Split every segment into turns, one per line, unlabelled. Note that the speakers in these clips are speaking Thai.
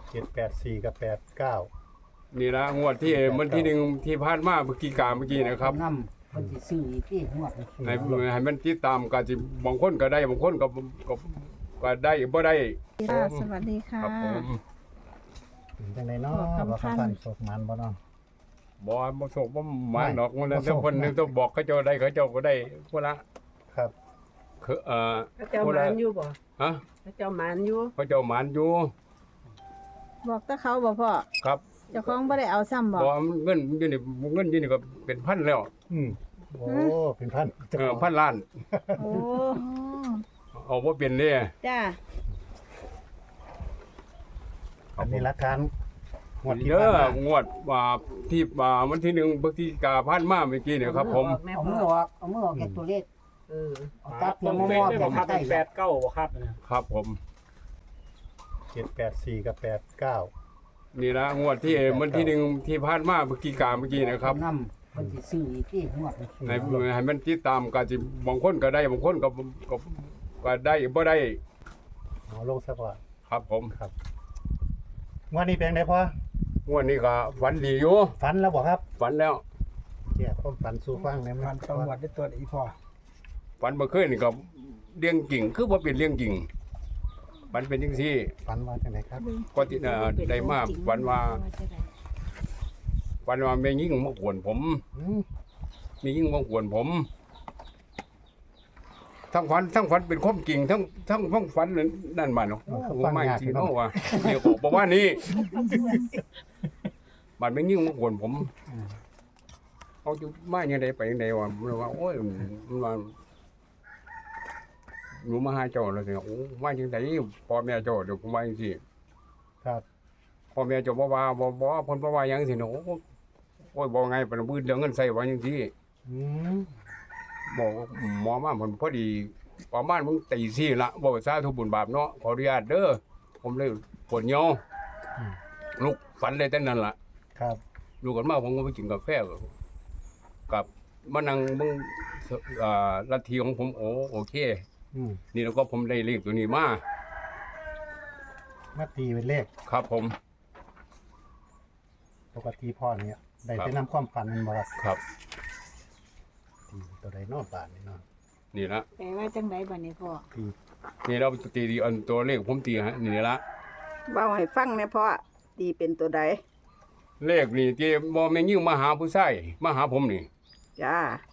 784กับ89
นี่ละงวดที่มันที่หนึ่งที่ผ่านมาเมื่อกี้นะครับ
นำคนที่ซื้ออีกที่งวด
ให้มันติดตามก็สิบางคนก็ได้บางคนก็ได้บ่ได้
ค่ะสวัสดีค่ะ
ครับผม
เป็นจังไดเนาะ
บอกคำ
บ่
พัน
คำพันศพมันบ่เนาะ
บ่โศกบ่หมาดอกมันแล้วคนหนึงต้องบอกเขาเจ้าได้เขาเจ้าก็ได้คนละ
ครับ
คือ
พระเจ้าหมานอยู่บ่
ฮะ
พระเจ้าหมานอยู่
เขาเจ้าหมานอยู่
บอกตะเขาบอกพ่อ
ครับ
เจ้าของบ่ได้เอาซ้ำบอก
บ่เงินอยู่นี่ก็เป็นพันแล้ว
โอ้เป็นพัน
พันล้าน
โอ้
เอาบ่เป็นเด้
จ้า
อันนี้หลักฐานงวดที่
เด้
ผ่าน
อ
มาง
วดว่าที่วันที่หนึ่งพฤศจิกาผ่านมาเมื่อกี้เนี่ยครับผม
แม่
เอา
พ่
มื
อ
อออกเอามือออกแกตัวเลข
เออ
เอาตัดเพียงมอๆแกใกล้
ครับผม
784กับ89
นี่ละงวดที่วันที่หนึ่งที่ผ่านมาเมื่อกี้นะครับ
นำคนที่ซื้ออีกที่งวด
ให้มันติดตามก็สิบางคนก็ได้บางคนก็ได้บ่ได้
เอาลงซะก่อน
ครับผม
ครับงวดนี้เป็นไงพ่อง
วดนี้ก็ฝันดีอยู่
ฝันแล้วบ่ครับ
ฝันแล้ว
แก้ความฝันสู่ฟังได้มั้
มันตำรวจได้ตัวอีพ่อ
ฝันเมื่อคืนนี่ก็เรื่องจริงคือบ่เป็นเรื่องจริงฝันเป็นจังซี่
ฝันว่าจังไดครับ
ก็ที่ได้มาฝันว่าแม่ยิ่งมาขวนผม
อืม
มียิ่งมาขวนผมทั้งฝันเป็นความจริงทั้งฝันนั่นมาเนาะผมไม่จริงเนาะว่าเดี๋ยวบอกว่านี่บัดไม่ยิ่งมาขวนผมเอาอยู่มาอย่างใดไปอย่างใดวะมันว่าโอ้ยมันว่าหนูมาหาเจ้าแล้วสิโอ้มาจังไดพ่อแม่เจ้าเดี๋ยวผมว่าจังซี่
ครับ
พ่อแม่เจ้าบ่ว่าบ่เพิ่นบ่ว่าหยังสิเนาะโอ้ยบ่ไงปานบื้อเรื่องเงินใส่ว่าจังซี่
อืม
บอกว่าหมอมาผมพอดีประมาณมึงตีสี่ละบอกว่าสาธุบุญบาปเนาะขออนุญาตเด้อผมเลยปวดเหี่ยวลูกฝันเลยแต่นั้นล่ะ
ครับ
ลูกกันมาผมก็ไปกินกาแฟกับมานั่งมึงลัทธิของผมโอเค
อืม
นี่แล้วก็ผมได้เลขตัวนี้มา
มาตีเป็นเลข
ครับผม
ปกติพ่อเนี่ยได้
ครับ
ไปนำความฝันมันบ่ครับ
ครับ
ตัวใดเนอกบ้านนี่เนาะ
นี่ละ
แปลว่าจังไดบัดนี้พ่อ
ตี
นี่เราตีดีอันตัวเลขผมตีฮะนี่ละ
เว้าให้ฟังแม่พ่อตีเป็นตัวใด
เลขนี่ที่บ่แม่นยิ่งมาหาผู้ชายมาหาผมนี่
จ้า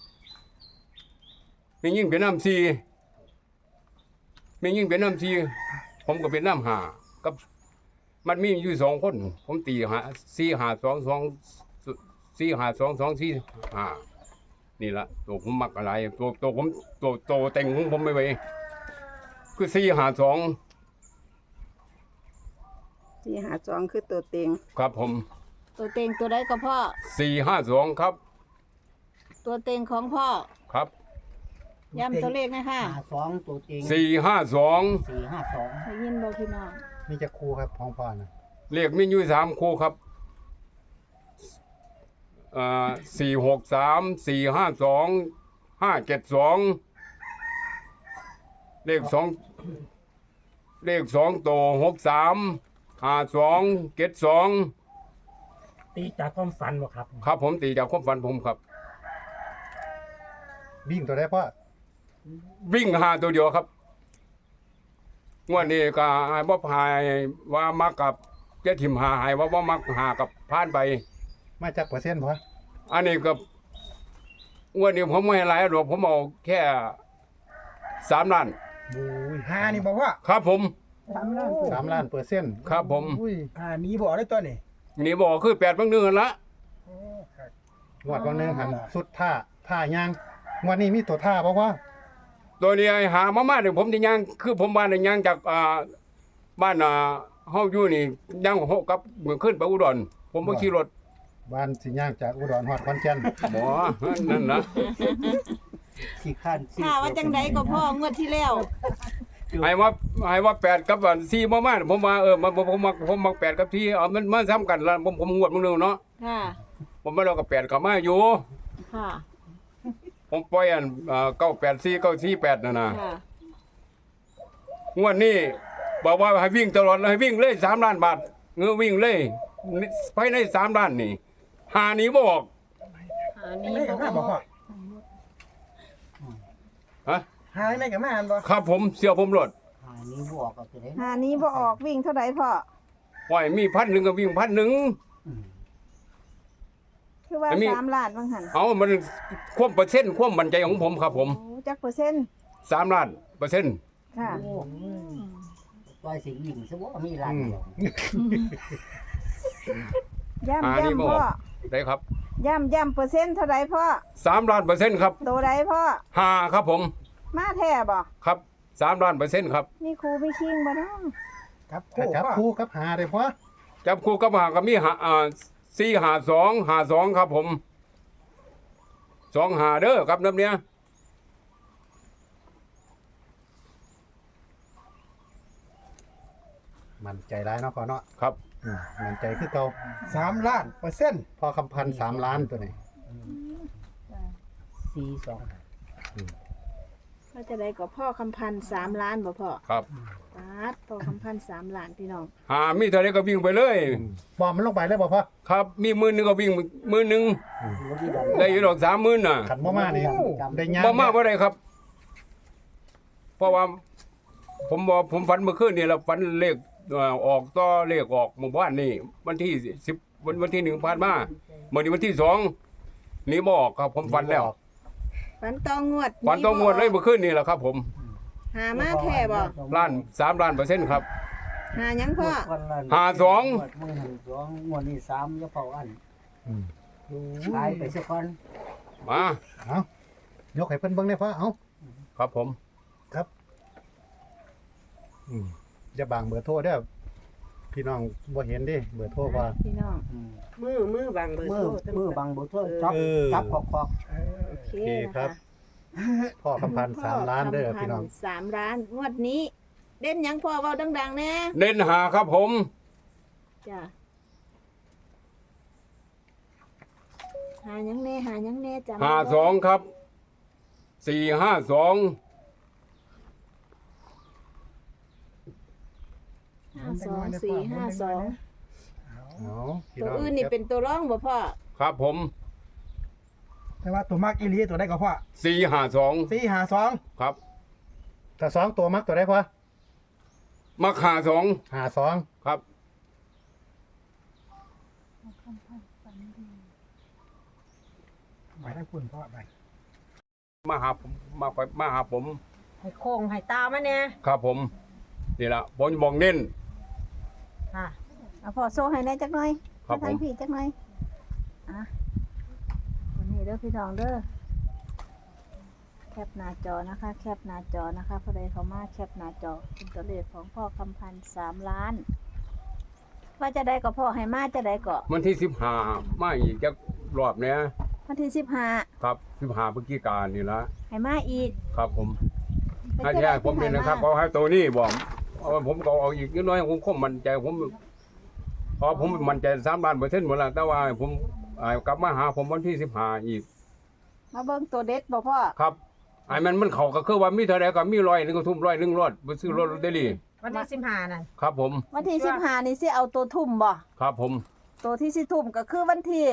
แม่นยิ่งเป็นน้ำซีแม่นยิ่งเป็นน้ำซีผมก็เป็นน้ำหากับมันมีอยู่2คนผมตีหา4 5 2 2 4 5 2 2 4 5นี่ละตัวผมมักอะไรตัวผมตัวเต็งของผมไม่ไหวคือ4 5 2
ที่หาจองคือตัวเต็ง
ครับผม
ตัวเต็งตัวใดก็พ่อ
4 5 2ครับ
ตัวเต็งของพ่อ
ครับ
ย้ำตัวเลขนะคะ
52ตัวจริง
4 5 2
452
ได้ยินบ่พี่น้อง
มีจะครูครับของพ่อนะ
เลขมีอยู่3คู่ครับ463 452 572เลข2ตัว63 52 72
ตีจากความฝันบ่ครับ
ครับผมตีจากความฝันผมครับ
วิ่งตัวใดพ่อ
วิ่งหาตัวเดียวครับงวดนี้ก็ให้บ่พายว่ามักกับเจ้าถิ่มหาให้ว่าบ่มักหากับผ่านไป
มาจากเปอร์เซ็นต์พ่อ
อันนี้ก็งวดนี้ผมไม่ให้หลายหรอกผมเอาแค่3 ล้าน
บูย
5นี่บ่ว่า
ครับผม
3ล้าน
3 ล้านเปอร์เซ็นต์
ครับผม
อุ้ย
หนีบ่ได้ตัวนี่
นี่บอกคือ8บางเดือนละ
โอ้ครับ
งวดวันหนึงหันสุดท่ายางงวดนี้มีตัวท่าบ่ว่า
ตัวนี้ไอ้หามาเนี่ยผมจะย่างคือผมบ้านเนี่ยย่างจากบ้านเฮาอยู่นี่ย่าง6กับเมื่อขึ้นไปอุดรผมบ่ขี่รถ
บ้านสิย่างจากอุดรฮอดขอนแก่น
หมอนั่นนะ
ขี้ข้านขี้
ถ้าว่าจังไดก็พ่องวดที่แล้ว
ให้ว่า8กับ4บ่มาผมว่าผมมัก8กับ4เอามันมาซ้ำกันละผมงวดมึงนึงเนาะ
ค่ะ
ผมมาเรากับ8กับมาอยู่
ค่ะ
ผมปล่อยอัน984 948นั่นน่ะ
ค่ะ
งวดนี้บอกว่าให้วิ่งตลอดเลยให้วิ่งเลย3 ล้านบาทเงือวิ่งเลยภายใน3 ล้านนี่หานี้บ่ออก
ไม่กับมาบ่พ่อ
ฮะ
หายไม่กับมาอันบ่
ครับผมเสี่ยวผมรถ
นี้บอกก็จะได้
หานี้บ่ออกวิ่งเท่าไหร่พ่อ
ปล่อยมี1,000ก็วิ่ง1,000
คือว่า
อันนี้
3 ล้านบางหัน
เอามันความเปอร์เซ็นต์ความมั่นใจของผมครับผม
โอ้จักเปอร์เซ็นต์
3 ล้านเปอร์เซ็นต์
ค่ะ
ต่อยสิยิงซะบ่มีหลานเดียว
ย่ำพ่อ
ได้ครับ
ย่ำเปอร์เซ็นต์เท่าไหร่พ่อ
3 ล้านเปอร์เซ็นต์ครับ
ตัวใดพ่อ
5ครับผม
มาแท้บ่
ครับ3 ล้านเปอร์เซ็นต์ครับ
มีครูมีคิงบ่เนาะ
ครับ
ถ้า
คู่
จับ
พ่อ
คู่กับหาได้พอ
จับคู่กับหาก็มี452ครับผม2หาเด้อครับน้ำเนี้ย
มันใจร้ายเนาะพอเนาะ
ครับ
มันใจคือเก่า
3 ล้านเปอร์เซ็นต์
พอคำพันธ์3 ล้านตัวนี้
42
ว่าจะได้ก็พ่อคำพันธ์3 ล้านบ่พ่อ
ครับ
ปาดพ่อคำพันธ์3 ล้านพี่น้อง
หามีเท่าไรก็วิ่งไปเลย
บอมมันลงไปเลยบ่พอ
ครับมี10,000ก็วิ่ง10,000ได้อยู่ดอก30,000น่ะ
ขันบ่มานี่ได้ยาก
บ่มาบ่ได้ครับ เพราะว่าผมฝันเมื่อคืนนี่แล้วฝันเลขออกต่อเลขออกหมู่บ้านนี่วันที่10วันที่1ผ่านมาเมื่อนี้วันที่2นี่บ่ออกครับผมฝันแล้ว
ฝันตองงวด
ฝันต้องงวดเลยเมื่อคืนนี่แหละครับ ผม
หามาแท้บ่
3 ล้านเปอร์เซ็นต์ครับ
หาหยังพ่อ
มึงหัน2งวดนี้3อย่าเฝ้าอันขายไปซะก่อน
มา
เอายกให้เพิ่นเบิ่งได้พอเอา
ครับผม
อย่าบางเบอร์โทรเด้อพี่น้องบ่เห็นดิเบอร์โทรว่า
พี่น้อง
มือบางเบอร์
มื
โท
อ
ร
มือบังบ่โทษจับ
เออ
จับขอก
โอเค
โอเค
นะ
ครั
คะ
บ พ่อคำพันธ์3 ล้านเด้อพี่น้อง
3 ล้านงวดนี้ เด่นหยังพ่อเว้าดังๆแน่
เน้นหาครับผม
จ้ะหาหยังแน่จ้ะ
52ครับ452
52 4 52
เอาพี่
ตัว
น้อง
อื่นนี่เป็นตัวร่องบ่พ่อ
ครับผม
แต่ว่าตัวมากอีหลีตัวได้ก็พ่อ
452
452
ครับ
ถ้า2ตัวมักตัวได้พอ
มัก52
52
ครับ
ไปได้คุณพ่อไป
มาหาผม
ให้โค้งให้ตามาเนี่ย
ครับผมนี่ละผมบอกเน้น
ค่ะ
เอาพ่อโซ่ให้แน่จักหน่อย
ครับ
ทาง
ผม
พี่จักหน่อยอ่ะวันนี้เด้อพี่น้องเด้อแคปหน้าจอนะคะ แคปหน้าจอนะคะผู้ใดเข้ามาแคปหน้าจอเป็นตัวเลขของพ่อคำพันธ์3 ล้าน ว่าจะได้ก็พ่อให้มาจะได้ก็
วันที่15มาอีกจักรอบเนี้ย
วันที่15
ครับ15พฤศจิกายนนี่ละ
ให้มาอีก
ครับผม
เป็น
ถ้า
ตัว
แท้
เลข
ผมเป็น
ที่
นะครับ
ให้
เพราะให้ตัวนี้บอกเอาผมก็เอาอีกนิดน้อยผมคงมั่นใจผมพอผมมั่นใจ3 ล้านเปอร์เซ็นต์หมดแล้วแต่ว่าผมกลับมาหาผมวันที่15อีก
มาเบิ่งตัวเด็ดบ่พ่อ
ครับไอ้มันเข้าก็คือว่ามีเท่าใดก็มี100นึงก็ทุ่ม100 รถไปซื้อรถลอตเตอรี่
วันที่15นั่น
ครับผม
วันที่15นี่สิเอาตัวทุ่มบ่
ครับผม
ตัวที่สิทุ่มก็คือวันที่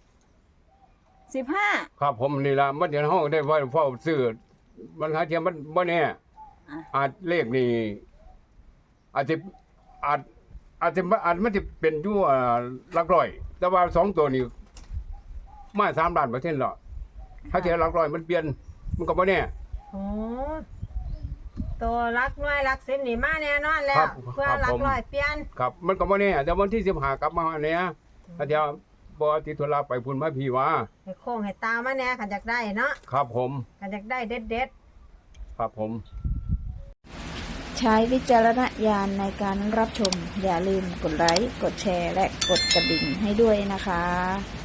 15
ครับผมนี่ละมันเดี๋ยวเฮาได้ว่าพ่อซื้อมันหาเทียมมันบ่แน่
อ่ะ
อาจเลขนี่อาจจะอาจมันจะเป็นอยู่หลักร้อย แต่ว่า2ตัวนี้มา3 ล้านเปอร์เซ็นต์แล้วถ้าเทียมหลักร้อยมันเปลี่ยนมันก็บ่แน่
โอ้ตัวรักน้อยรักสิบนี่มาแน่นอนแล้
ครั
ว
บ
เพื่อ
ครับ
รัก
ผม
ร้อยเปลี่ยน
ครับมันก็บ่แน่แต่วันที่15กลับมาเนี่ยถ้าเทียมบ่ติดธุระไปพุ่นมาพี่ว่า
ให้โค้งให้ตามาแน่ขันอยากได้เนาะ
ครับผม
ขันอยากได้เด็ด
ครับผม
ใช้วิจารณญาณในการรับชม อย่าลืมกดไลค์ กดแชร์ และกดกระดิ่งให้ด้วยนะคะ